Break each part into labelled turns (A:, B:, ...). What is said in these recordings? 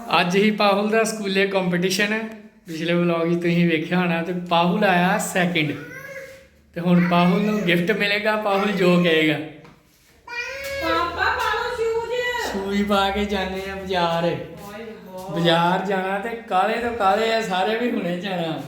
A: ਅੱਜ ਹੀ ਪਾਹੁਲ ਦਾ ਸਕੂਲੇ ਕੰਪੀਟੀਸ਼ਨ ਹੈ। ਪਿਛਲੇ ਵਲੌਗ 'ਚ ਤੁਸੀਂ ਵੇਖਿਆ ਹੋਣਾ ਤੇ ਪਾਹੁਲ ਆਇਆ ਸੈਕਿੰਡ। ਤੇ ਹੁਣ ਪਾਹੁਲ ਨੂੰ ਗਿਫਟ ਮਿਲੇਗਾ। ਪਾਹੁਲ ਜੋ ਕਹੇਗਾ।
B: ਪਾਪਾ ਪਾਲੋ ਸ਼ੂਜ਼।
A: ਸੂਈ ਪਾ ਕੇ ਜਾਣੇ ਆ ਬਾਜ਼ਾਰ। ਬਾਜ਼ਾਰ ਜਾਣਾ ਤੇ ਕਾਲੇ ਤੋਂ ਕਾਲੇ ਆ ਸਾਰੇ ਵੀ ਹੁਣੇ ਜਾਣਾ।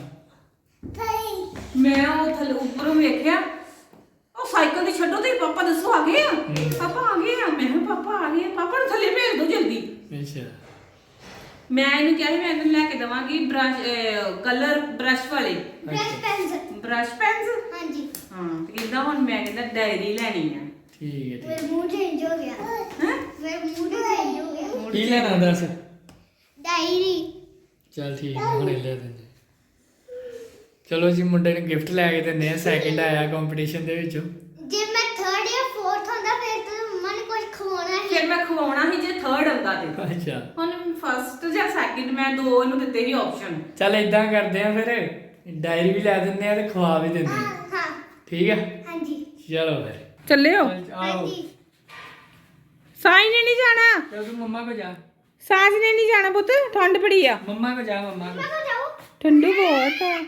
B: ਮੈਂ ਉਹ ਥੱਲੇ ਉੱਪਰੋਂ ਵੇਖਿਆ ਉਹ ਸਾਈਕਲ ਦੀ ਛੱਡੋ ਤੇ ਪਾਪਾ ਦੱਸੋ ਆ ਗਏ ਆ। ਪਾਪਾ ਆ ਗਏ ਆ। ਮੈਂ ਕਿਹਾ ਪਾਪਾ ਆ ਗਏ ਆ। ਪਾਪਾ ਨੂੰ ਥੱਲੇ ਭੇਜ ਦਿਓ ਜਲਦੀ।
A: ਅੱਛਾ।
B: ਮੈਂ ਇਹਨੂੰ ਕਿਹਾ ਸੀ ਮੈਂ ਇਹਨੂੰ ਲੈ ਕੇ ਦਵਾਂਗੀ ਬ੍ਰਸ਼ ਕਲਰ ਬ੍ਰਸ਼ ਵਾਲੇ ਬ੍ਰਸ਼ ਪੈਨਸ।
C: ਹਾਂਜੀ
B: ਹਾਂ ਤੇ ਕਹਿੰਦਾ ਹੁਣ ਮੈਂ ਕਹਿੰਦਾ ਡਾਇਰੀ ਲੈਣੀ ਆ।
A: ਠੀਕ ਹੈ
C: ਮੇਰੇ ਮੂੰਹ ਚੇਂਜ ਹੋ ਗਿਆ
B: ਹੈ
C: ਮੇਰੇ ਮੂੰਹ ਚੇਂਜ ਹੋ ਗਿਆ।
A: ਕੀ ਲੈਣਾ ਦੱਸ।
C: ਡਾਇਰੀ
A: ਚਲ ਠੀਕ ਹੈ ਹੁਣੇ ਲੈ ਦਿੰਦੇ। ਚਲੋ ਜੀ ਮੁੰਡੇ ਨੂੰ ਗਿਫਟ ਲੈ ਕੇ ਦਿੰਦੇ ਆ। ਸੈਕਿੰਡ ਆਇਆ ਕੰਪੀਟੀਸ਼ਨ ਦੇ ਵਿੱਚੋਂ।
C: ਜੇ ਮੈਂ 3rd ਜਾਂ 4th ਹੁੰਦਾ ਫਿਰ ਤਾਂ ਮੰਮਾ ਨੇ ਕੁਝ ਖਵਾਉਣਾ ਸੀ।
B: ਫਿਰ ਮੈਂ ਖਵਾਉਣਾ ਸੀ ਜੇ 3rd ਆਉਂਦਾ ਤੇ।
A: ਅੱਛਾ
B: ਹੁਣ 1st ਜਾਂ 2nd ਮੈਂ ਦੋ ਇਹਨੂੰ ਦਿੱਤੇ ਸੀ ਆਪਸ਼ਨ।
A: ਚੱਲ ਇਦਾਂ ਕਰਦੇ ਆ ਫਿਰ ਡਾਇਰੀ ਵੀ ਲੈ ਦਿੰਦੇ ਆ ਤੇ ਖਵਾ ਵੀ ਦਿੰਦੇ ਆ।
C: ਹਾਂ
A: ਠੀਕ ਆ
C: ਹਾਂਜੀ
A: ਚਲੋ ਫਿਰ
B: ਚੱਲੇ ਹੋ
A: ਆਓ
C: ਹਾਂਜੀ
B: ਸਾਈ ਨੇ ਨਹੀਂ ਜਾਣਾ।
A: ਚੱਲ ਤੂੰ ਮੰਮਾ ਕੋ ਜਾ।
B: ਸਾਜ ਨੇ ਨਹੀਂ ਜਾਣਾ ਪੁੱਤ ਠੰਡ ਬੜੀ ਆ।
A: ਮੰਮਾ ਕੋ ਜਾ। ਮੰਮਾ ਕੋ
C: ਪਾਪਾ ਜਾਓ
B: ਠੰਡੂ ਬਹੁਤ ਆ।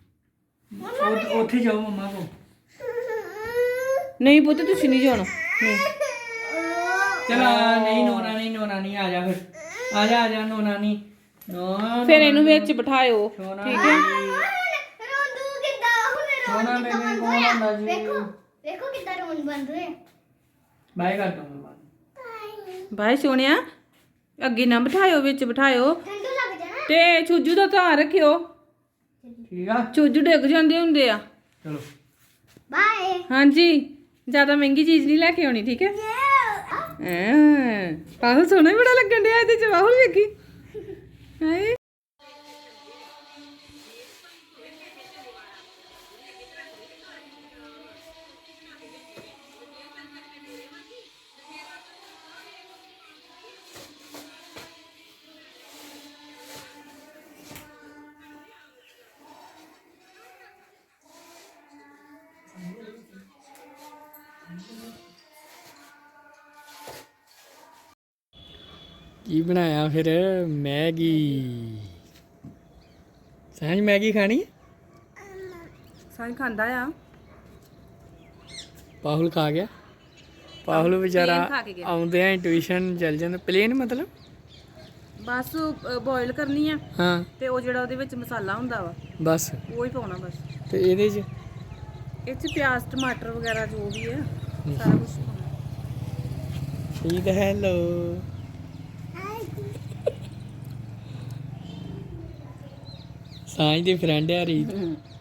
A: ਉੱਥੇ ਜਾਓ ਮੰਮਾ ਕੋ।
B: ਨਹੀਂ ਪੁੱਤ ਤੁਸੀਂ ਨਹੀਂ ਜਾਣਾ ਨਹੀਂ।
A: ਚਲਾ ਨਹੀਂ ਨੋਨਾ ਨਹੀਂ ਆ ਜਾ ਫਿਰ ਆ ਜਾ ਨੋਨਾ ਨਹੀਂ ਨੋ
B: ਫਿਰ ਇਹਨੂੰ ਵਿੱਚ ਬਿਠਾਇਓ
A: ਸੋਨਾ
B: ਠੀਕ ਹੈ।
C: ਰੋਂਦੂ ਕਿੱਦਾਂ ਹੁਣ
A: ਸੋਨਾ
C: ਰੋਣ
A: ਬੇਬੀ
C: ਕਿੱਦਾਂ
A: ਕੌਣ ਆਉਂਦਾ ਜੀ?
C: ਵੇਖੋ ਵੇਖੋ ਕਿੱਦਾਂ ਰੋਣ ਬੰਦ ਹੋਇਆ।
A: ਬਾਏ ਕਰ ਦੋ ਮੰਮਾ।
B: ਬਾਈ ਸੋਹਣਿਆ ਅੱਗੇ ਨਾ ਬਿਠਾਇਓ ਵਿੱਚ ਬਿਠਾਇਓ
C: ਠੰਡੂ ਲੱਗ ਜਾਣਾ।
B: ਤੇ ਛੂਜੂ ਦਾ ਧਿਆਨ ਰੱਖਿਓ।
A: ਠੀਕ ਆ
B: ਛੂਜੂ ਡਿੱਗ ਜਾਂਦੇ ਹੁੰਦੇ ਆ।
A: ਚਲੋ
C: ਬਾਏ
B: ਹਾਂਜੀ ਜ਼ਿਆਦਾ ਮਹਿੰਗੀ ਚੀਜ਼ ਨਹੀਂ ਲੈ ਕੇ ਆਉਣੀ ਠੀਕ ਹੈ। ਪਾਹੁਲ ਸੋਹਣਾ ਹੀ ਬੜਾ ਲੱਗਣ ਡਿਆ ਇਹਦੇ ਚ। ਪਾਹੁਲ ਵੇਖੀ ਹਾਏ
A: ਕੀ ਬਣਾਇਆ ਫਿਰ ਮੈਗੀ। ਸਾਂਝ ਮੈਗੀ ਖਾਣੀ ਹੈ।
B: ਸਾਈ ਖਾਂਦਾ ਆ।
A: ਪਾਹੁਲ ਖਾ ਗਿਆ। ਪਾਹੁਲ
B: plain
A: ਵਿਚਾਰਾ
B: ਖਾ ਕੇ ਗਿਆ।
A: ਆਉਂਦੇ ਆ ਟਿਊਸ਼ਨ ਚੱਲ ਜਾਂਦਾ। ਪਲੇਨ ਮਤਲਬ
B: ਬਸ ਬੋਇਲ ਕਰਨੀ ਆ
A: ਹਾਂ
B: ਤੇ ਉਹ ਜਿਹੜਾ ਉਹਦੇ ਵਿੱਚ ਮਸਾਲਾ ਹੁੰਦਾ ਵਾ
A: ਬਸ।
B: ਉਹ ਹੀ ਪਾਉਣਾ ਬਸ।
A: ਤੇ ਇਹਦੇ 'ਚ
B: ਇਹ ਚ ਪਿਆਜ਼ ਟਮਾਟਰ ਵਗੈਰਾ ਜੋ ਵੀ ਹੈ ਸਾਰਾ ਕੁਝ ਪਾਉਣਾ।
A: ਠੀਕ ਹੈ। ਹੈਲੋ ਸਾਂਝ ਦੀ ਫਰੈਂਡ ਆ ਰੀਤ।